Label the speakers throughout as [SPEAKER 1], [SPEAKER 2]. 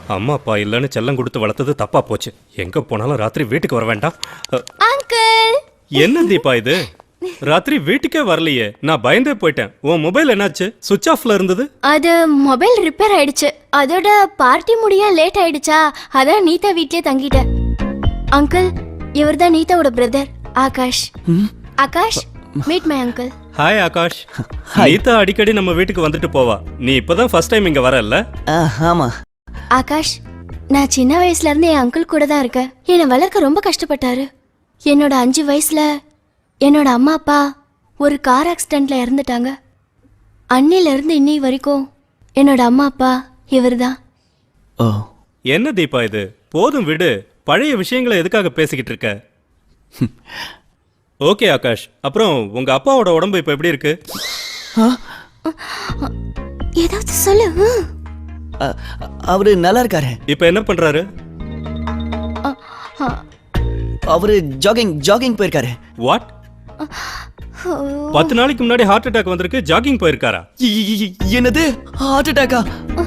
[SPEAKER 1] அம்மா அப்பா இல்லைன்னு செல்லம் கொடுத்து வளர்த்தது தப்பா போச்சு. எங்க போனாலும் ராத்திரி வீட்டுக்கு வர வேண்டாம்.
[SPEAKER 2] அங்கிள்
[SPEAKER 1] என்ன தீபா இது? ராத்திரி வீட்டுக்கே வரலையே, நான் பயந்தே போயிட்டேன். உன் மொபைல் என்னாச்சு? சுவிட்ச் ஆஃப்ல இருந்தது.
[SPEAKER 2] அது மொபைல் ரிப்பேர் ஆயிடுச்சு. அதோட பார்ட்டி முடிய லேட் ஆயிடுச்சா, அதான் நீதா வீட்லயே தங்கிட்டேன். அங்கிள், இவர்தான் நீதாவோட brother Akash. Akash, meet my uncle.
[SPEAKER 1] Hi Akash. Neetha அடிக்கடி நம்ம வீட்டுக்கு வந்துட்டு போவா. நீ இப்பதான் ஃபர்ஸ்ட் டைம் இங்க வரல?
[SPEAKER 3] ஆமா.
[SPEAKER 2] ஆகாஷ், நான் சின்ன வயசுல இருந்து என் அங்கிள் கூட தான் இருக்கேன். என்னை வளர்க்க ரொம்ப கஷ்டப்பட்டாரு. என்னோட 5 வயசுல என்னோட அம்மா அப்பா ஒரு கார் ஆக்சிடென்ட்ல இறந்துட்டாங்க. அன்னில இருந்து இன்னி வரைக்கும் என்னோட அம்மா அப்பா இவர்தான்.
[SPEAKER 3] ஓ,
[SPEAKER 1] என்ன தீபா இது? போதும் விடு, பழைய விஷயங்களை எதுக்காக பேசிக்கிட்டு இருக்க? ஓகே ஆகாஷ், அப்புறம் உங்க அப்பாவோட உடம்பு இப்ப எப்படி இருக்கு?
[SPEAKER 2] ஏதாவது சொல்லு.
[SPEAKER 3] அவரு நல்லா இருக்காரு.
[SPEAKER 1] இப்ப என்ன பண்றாரு?
[SPEAKER 3] அவரு ஜாகிங் போயிருக்காரு.
[SPEAKER 1] வாட்? 10 நாளைக்கு முன்னாடி ஹார்ட் அட்டாக் வந்திருக்கு, ஜாகிங் போயிருக்காரா?
[SPEAKER 3] என்னது, ஹார்ட் அட்டாக்கா?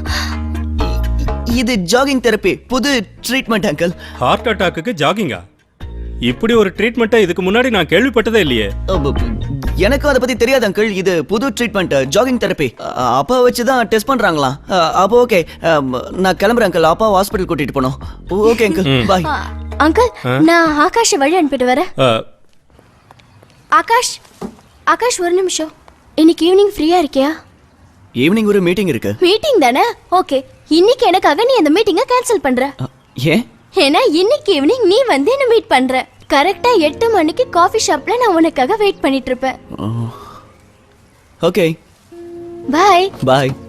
[SPEAKER 3] இது ஜாகிங் தெரப்பி, புது ட்ரீட்மெண்ட் அங்கிள்.
[SPEAKER 1] ஹார்ட் அட்டாக்குக்கு ஜாகிங்கா? இப்படி ஒரு ட்ரீட்மெண்ட்டை இதுக்கு முன்னாடி நான் கேள்விப்பட்டதே இல்லையே.
[SPEAKER 3] எனக்கும் அதை பத்தி தெரியாது அங்கிள். இது புது ட்ரீட்மெண்ட், ஜாகிங் தெரப்பி. அப்பா வச்சு தான் டெஸ்ட் பண்றாங்களாம். அப்போ ஓகே, நான் கிளம்புறேன் அங்கிள். அப்பா ஹாஸ்பிட்டல் கூட்டிட்டு போனோம். ஓகே அங்கிள், பாய்.
[SPEAKER 2] அங்கிள், நான் ஆகாஷை வழி அனுப்பிட்டு வரேன். ஆகாஷ், ஆகாஷ் ஒரு நிமிஷம். இன்னைக்கு ஈவினிங் ஃப்ரீயா இருக்கியா?
[SPEAKER 3] ஈவினிங் ஒரு மீட்டிங் இருக்கு.
[SPEAKER 2] மீட்டிங் தானே? ஓகே, இன்னைக்கு எனக்காக நீ அந்த மீட்டிங்கை கேன்சல் பண்ற.
[SPEAKER 3] ஏன்?
[SPEAKER 2] ஏன்னா இன்னைக்கு ஈவினிங் நீ வந்து என்ன மீட் பண்ற. கரெக்டா 8 மணிக்கு காஃபி ஷாப்ல நான் உனக்காக வெயிட் பண்ணிட்டு இருப்பேன்.
[SPEAKER 3] Okay,
[SPEAKER 2] bye.
[SPEAKER 3] பாய்.